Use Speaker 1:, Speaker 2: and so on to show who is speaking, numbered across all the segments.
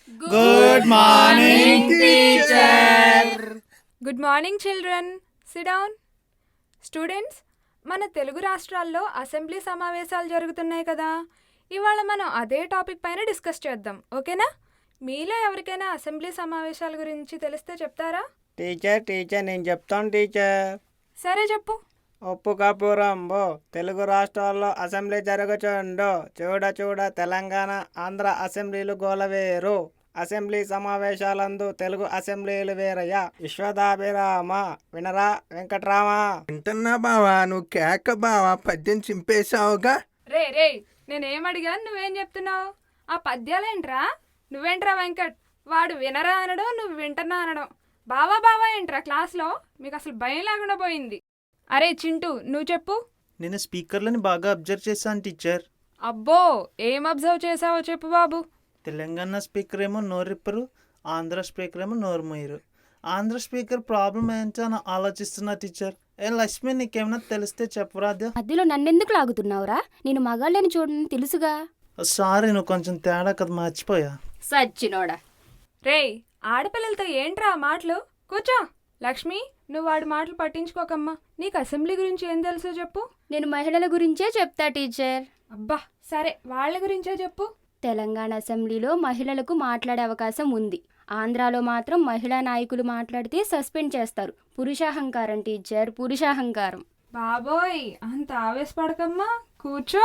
Speaker 1: Good morning, teacher.
Speaker 2: Good morning children. Sit down. Students, మన తెలుగు రాష్ట్రాల్లో assembly సమావేశాలు జరుగుతున్నాయి కదా. ఇవాళ మనం అదే టాపిక్ పైన డిస్కస్ చేద్దాం, ఓకేనా? మీలో ఎవరికైనా అసెంబ్లీ సమావేశాల గురించి తెలిస్తే చెప్తారా?
Speaker 1: టీచర్ నేను చెప్తాను టీచర్.
Speaker 2: సరే చెప్పు.
Speaker 1: ఒప్పు కపురంబో తెలుగు రాష్ట్రాల్లో అసెంబ్లీ జరుగుచుండు. చూడ తెలంగాణ ఆంధ్ర అసెంబ్లీలు గోలవేరు. అసెంబ్లీ సమావేశాలందు తెలుగు అసెంబ్లీలు వేరయ్యా. విశ్వదాభిరామ వినరా వెంకట్రామ.
Speaker 3: వింటున్నా బావా, నువ్వు కేక బావా, పద్యం చింపేశావుగా.
Speaker 2: రే నేనేం అడిగాను, నువ్వేం చెప్తున్నావు? ఆ పద్యాలేంట్రా? నువ్వేంట్రా వెంకట్? వాడు వినరా అనడం, నువ్వు వింటున్నా అనడం. బావా ఏంట్రా క్లాస్లో? మీకు అసలు భయం లేకుండా పోయింది. అరే చింటూ, నువ్వు చెప్పు.
Speaker 4: నేను స్పీకర్లని బాగా అబ్జర్వ్ చేశాను టీచర్.
Speaker 2: అబ్బో, ఏం అబ్జర్వ్ చేసావో చెప్పు బాబు.
Speaker 4: తెలంగాణ స్పీకర్ ఏమో నోరిప్పరు, ఆంధ్ర స్పీకర్ ఏమో నోరు మొయ్యరు. ఆంధ్ర స్పీకర్ ప్రాబ్లం ఏంటో అని ఆలోచిస్తున్నా టీచర్. లక్ష్మి, నీకేమైనా తెలిస్తే చెప్పరాదా?
Speaker 5: మధ్యలో నన్నెందుకు లాగుతున్నావురా? నేను మగాళ్ళని చూడని తెలుసుగా.
Speaker 4: సారీ, నువ్వు కొంచెం తేడా కదా, మర్చిపోయా.
Speaker 5: సచ్చినోడా.
Speaker 2: రేయ్, ఆడపిల్లలతో ఏంట్రా ఆ మాటలు? కూర్చో. లక్ష్మి, నువ్వు వాడి మాటలు పట్టించుకోకమ్మా. నీకు అసెంబ్లీ గురించి ఏం తెలుసో చెప్పు.
Speaker 5: నేను మహిళల గురించే చెప్తా టీచర్.
Speaker 2: అబ్బా సరే, వాళ్ళ గురించే చెప్పు.
Speaker 5: తెలంగాణ అసెంబ్లీలో మహిళలకు మాట్లాడే అవకాశం ఉంది. ఆంధ్రాలో మాత్రం మహిళా నాయకులు మాట్లాడితే సస్పెండ్ చేస్తారు. పురుషాహంకారం టీచర్, పురుషాహంకారం.
Speaker 2: బాబోయ్, అంత ఆవేశపడకమ్మా, కూర్చో.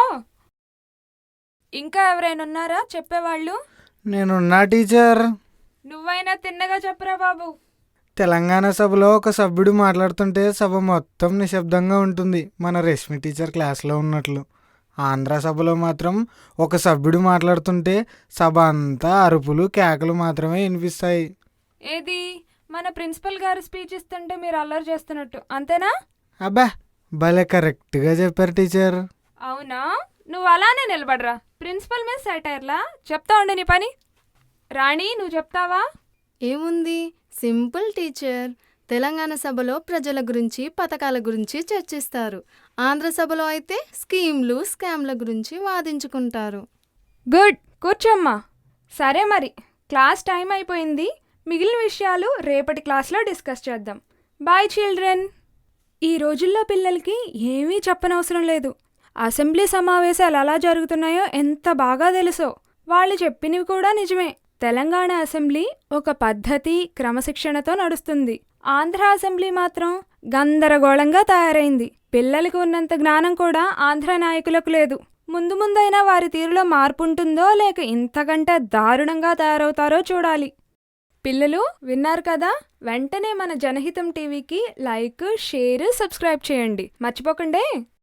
Speaker 2: ఇంకా ఎవరైనా ఉన్నారా చెప్పేవాళ్ళు?
Speaker 6: నేనున్నా టీచర్.
Speaker 2: నువ్వైనా తిన్నగా చెప్పరా బాబు.
Speaker 6: తెలంగాణ సభలో ఒక సభ్యుడు మాట్లాడుతుంటే సభ మొత్తం నిశ్శబ్దంగా ఉంటుంది, మన రష్మి టీచర్ క్లాస్లో ఉన్నట్లు. ఆంధ్ర సభలో మాత్రం ఒక సభ్యుడు మాట్లాడుతుంటే సభ అంతా అరుపులు కేకలు మాత్రమే వినిపిస్తాయి.
Speaker 2: ఏది, మన ప్రిన్సిపల్ గారు స్పీచ్ ఇస్తుంటే మీరు అల్లరి చేస్తున్నట్టు, అంతేనా?
Speaker 6: అబ్బా, భలే కరెక్ట్గా చెప్పారు టీచర్.
Speaker 2: అవునా? నువ్వు అలానే నిలబడరా. ప్రిన్సిపల్ మీద సెటైర్లా చెప్తా ఉండే నీ పని. రాణి, నువ్వు చెప్తావా?
Speaker 7: ఏముంది, సింపుల్ టీచర్. తెలంగాణ సభలో ప్రజల గురించి, పథకాల గురించి చర్చిస్తారు. ఆంధ్ర సభలో అయితే స్కీమ్లు, స్కామ్ల గురించి వాదించుకుంటారు.
Speaker 2: గుడ్, కూర్చోమ్మా. సరే మరి, క్లాస్ టైం అయిపోయింది. మిగిలిన విషయాలు రేపటి క్లాస్లో డిస్కస్ చేద్దాం. Bye children. ఈ రోజుల్లో పిల్లలకి ఏమీ చెప్పనవసరం లేదు. అసెంబ్లీ సమావేశాలు ఎలా జరుగుతున్నాయో ఎంత బాగా తెలుసో. వాళ్ళు చెప్పినవి కూడా నిజమే. తెలంగాణ అసెంబ్లీ ఒక పద్ధతి, క్రమశిక్షణతో నడుస్తుంది. ఆంధ్ర అసెంబ్లీ మాత్రం గందరగోళంగా తయారైంది. పిల్లలకు ఉన్నంత జ్ఞానం కూడా ఆంధ్ర నాయకులకు లేదు. ముందైనా వారి తీరులో మార్పు ఉంటుందో, లేక ఇంతకంటే దారుణంగా తయారవుతారో చూడాలి. పిల్లలు విన్నారు కదా, వెంటనే మన జనహితం టీవీకి లైక్, షేర్, సబ్స్క్రైబ్ చేయండి. మర్చిపోకండి.